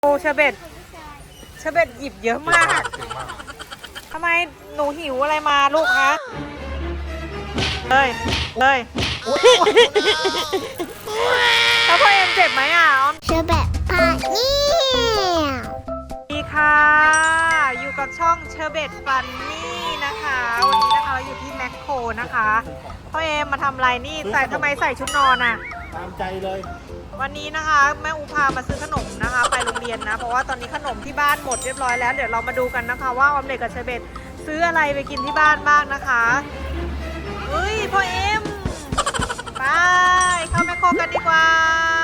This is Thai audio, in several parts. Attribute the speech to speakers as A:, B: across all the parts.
A: โอ้เชอร์เบตหยิบเยอะมากทำไมหนูหิวอะไรมาลูกคะเลยแล้วพ่อเอ็มเจ็บไหมอ่ะ
B: เชอร์เบตพาเนี่ย
A: ดีค่ะอยู่กับช่องเชอร์เบตฟันนี่นะคะวันนี้นะคะเราอยู่ที่แมคโครนะคะพ่อเอ็มมาทำอะไรนี่ทำไมใส่ชุดนอนอ่ะ
C: ตามใจเลย
A: วันนี้นะคะแม่อูพามาซื้อขนมนะคะไปโรงเรียนนะเพราะว่าตอนนี้ขนมที่บ้านหมดเรียบร้อยแล้วเดี๋ยวเรามาดูกันนะคะว่าออมเล็ตกับเชอร์เบตซื้ออะไรไปกินที่บ้านบ้างนะคะเฮ้ยพ่อเอ็มไปเข้าแมคโครกันดีกว่า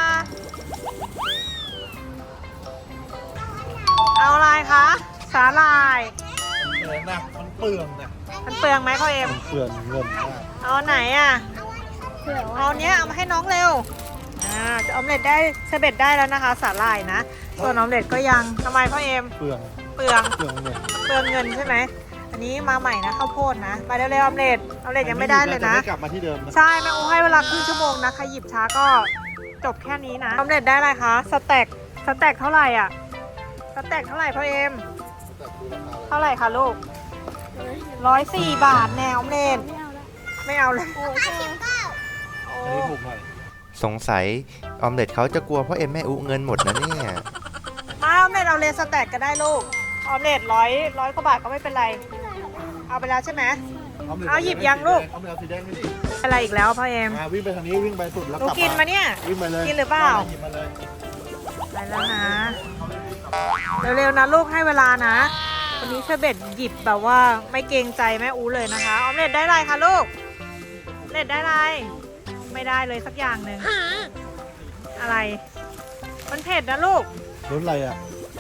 A: เอาอะไรคะสาหร่าย
C: นะมันเปลืองนะ
A: มันเปลืองไหมพ่อเอ็ม
C: เปลืองเงินมาก
A: เอาไหนอ่ะเอาเนี้ยเอามาให้น้องเร็วออมเล็ตได้เชอร์เบตได้แล้วนะคะสาหร่ายนะส่วนออมเล็ตก็ยังทำไมพ่อเอ็ม
C: เปลือง
A: เงินใช่ไหมอันนี้มาใหม่นะข้าวโพดนะไปเร็วๆออมเล็ตยังไม่ได้เลยนะ
C: กลับมาที่เดิม
A: ใช่แม่อูให้เวลาครึ่งชั่วโมงนะใครหยิบช้าก็จบแค่นี้นะออมเล็ตได้อะไรคะสแต็กเท่าไหร่อ่ะสแต็กเท่าไหร่พ่อเอ็มเท่าไหร่คะลูก104 บาทแนวออมเล็ตไม่เอาเลย
C: อันนี้ถูกหน่อย
D: สงสัยออมเล็ตเขาจะกลัวเพราะเอ็มแม่อุเงินหมดนะเนี่ย
A: มาออมเล็ตเอาเลสแต็กก็ได้ลูกออมเล็ตร้อยกว่าบาทก็ไม่เป็นไรเอาไปแล้วใช่ไหมเอาหยิบยังลูก
C: เอาสีแดงไปดิ
A: อะไรอีกแล้วพ่อเอ็ม
C: วิ่งไปทางนี้วิ่งไปสุดแล้วกลับมา
A: กินมาเนี่ย
C: วิ่งไปเลย
A: กินหรือเปล่าไปแล้วนะเร็วๆนะลูกให้เวลานะวันนี้เชอร์เบตหยิบแบบว่าไม่เกรงใจแม่อูเลยนะคะออมเล็ตได้อะไรคะลูกเล็ตได้อะไรไม่ได้เลยสักอย่างหนึ่งอะไรมันเผ็ดนะลูก
C: รสอะไรอ่ะ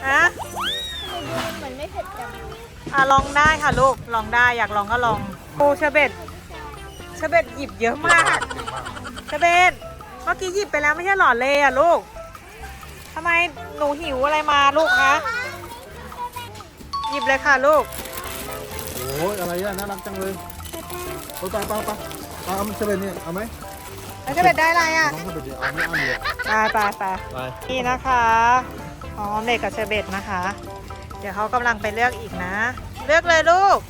B: เหมือนไม่เผ็ดจัง
A: ลองได้ค่ะลูกลองได้อยากลองก็ลองโอ้เชอร์เบตหยิบเยอะมากเชอร์เบตเมื่อกี้หยิบไปแล้วไม่ใช่หรอเลยอ่ะลูกทำไมหนูหิวอะไรมาลูกคะหยิบเลยค่ะลูก
C: โอ้ยอะไรอ่ะน่ารักจังเลยไปเอาเชอร์เบตเนี่ยเอาไหม
A: แล้วเชอร์เบตได้อะไรอ่ะ
C: เอาไม่เอาเลย
A: ไปนี่นะคะออมเล็ตกับเชอร์เบตนะคะเดี๋ยวเขากำลังไปเลือกอีกนะเลือกเลยลูก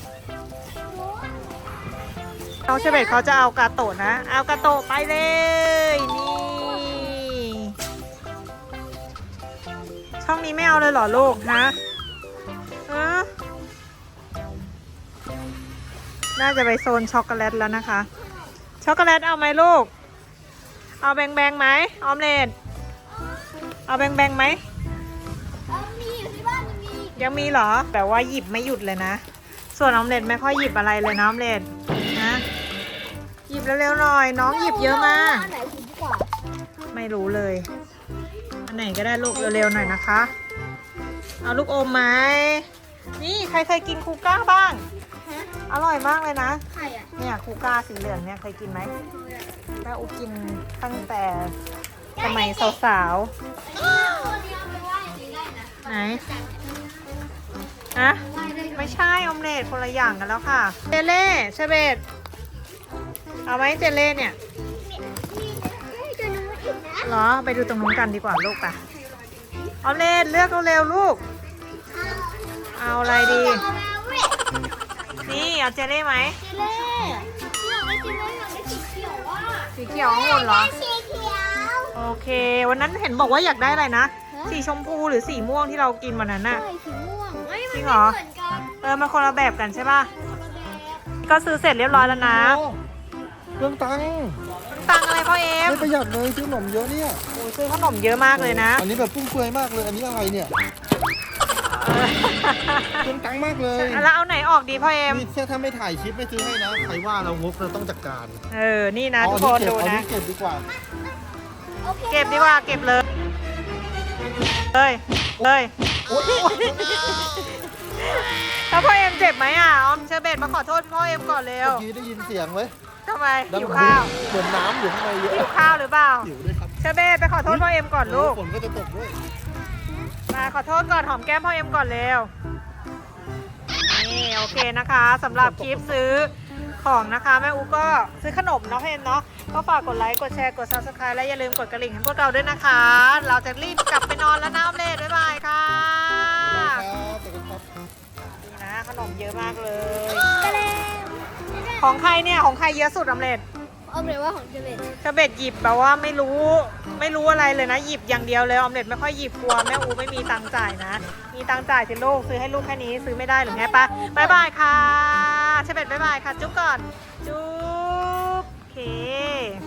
A: น้องเชอร์เบตเขาจะเอากาโตะนะเอากาโตะไปเลยนี่ช่องนี้ไม่เอาเลยเหรอลูกนะน่าจะไปโซนช็อกโกแลตแล้วนะคะช็อกโกแลตเอาไหมลูกเอาแบงไหมออมเล็ตเอาแบงไหม
B: มีอยู่ที่บ้าน
A: ยังมีเหรอแต่ว่าหยิบไม่หยุดเลยนะส่วนออมเล็ตไม่ค่อยหยิบอะไรเลยนะออมเล็ตนะหยิบเร็วๆหน่อยน้องหยิบเยอะมาก
B: อันไหนคุ้มกว่า
A: ไม่รู้เลยอันไหนก็ได้ลูกเร็วๆหน่อยนะคะเอาลูกอมไหมนี่ใครเคยกินคูก้าบ้างอร่อยมากเลยนะ
B: ใครอ่ะ
A: เนี่ยคูก้าสีเหลืองเนี่ยเคยกินไหมแม่อูกินตั้งแต่สมัยสาวๆไหนไม่ใช่ออมเล็ตคนละอย่างกันแล้วค่ะเจเล่เชอร์เบตเอาไหมเจเล่เนี่ยเหรอไปดูตรงนู้นกันดีกว่าลูกป่ะออมเล็ตเลือกเร็วๆลูกเอาอะไรดีนี่เอาเจเล่ไหม
B: เล่อยากได้สีเขียวอ่ะ
A: สีเขียวองุ่นเหรอ
B: สีเขียว
A: โอเควันนั้นเห็นบอกว่าอยากได้อะไรนะสีชมพูหรือสีม่วงที่เรากินวันนั้นน่ะ
B: สีม่วง
A: จริงเหรอมันคนละแบบกันใช่ป่ะก็ซื้อเสร็จเรียบร้อยแล้วนะ
C: เรื่องตัง
A: อะไรพ่อเอ็ม
C: ไม่ประหยัดเลยซื้อขนมเยอะเนี่ย
A: ซื้อขนมเยอะมากเลยนะ
C: อันนี้แบบฟุ่มเฟือยมากเลยอันนี้อะไรเนี่ยเรื่องตังมากเลย
A: แล้วเอาไหนออกดีพ่อเอ็ม
C: นี่ถ้าไม่ถ่ายคลิปไม่ซื้อให้นะใครว่าเรางกเราต้องจัดการ
A: นี่นะทุกคนดูนะ
C: เก็บดีกว่า
A: เก็บเลยถ้าพ่อเอ็มเจ็บไหมอ่ะออมเชอร์เบตมาขอโทษพ่อเอ็มก่อนเร็ว
C: เมื่อกี้ได้ยินเสียงไหม
A: ทำไมหิวข้าว
C: เหมือนน้ำอยู่ข้างในเยอะ
A: หิวข้าวหรือเปล่า
C: หิวด้วยครับ
A: เชอร์เบตไปขอโทษพ่อเอ็มก่อนลูก
C: ฝนก็จะตกด้วย
A: มาขอโทษก่อนหอมแก้มพ่อเอ็มก่อนเร็วนี่โอเคนะคะสำหรับคลิปซื้อของนะคะแม่อูก็ซื้อขนมเนาะเห็นเนาะก็ฝากกดไลค์กดแชร์กด Subscribe และอย่าลืมกดกระดิ่งให้พวกเราด้วยนะคะ เราจะรีบกลับไปนอนแล้วนะออมเล็ตบ๊ายบายค่ะ
C: ครับขอบคุณครับ
A: นี่นะขนมเยอะมากเลย
B: ไปแล้ว
A: ของใครเนี่ยของใครเยอะสุดออมเล็ต
B: เอาเลยว่าของเจเบต
A: เชอร์เบตหยิบแบบว่าไม่รู้อะไรเลยนะหยิบอย่างเดียวเลยออมเล็ตไม่ค่อยหยิบกลัวแม่อูไม่มีตังค์จ่ายนะ มีตังค์จ่ายสิลูกซื้อให้ลูกแค่นี้ซื้อไม่ได้หรือไงปะบ๊ายบายค่ะเชอร์เบตบ๊ายบายค่ะจุ๊บก่อนจุ๊บโอเค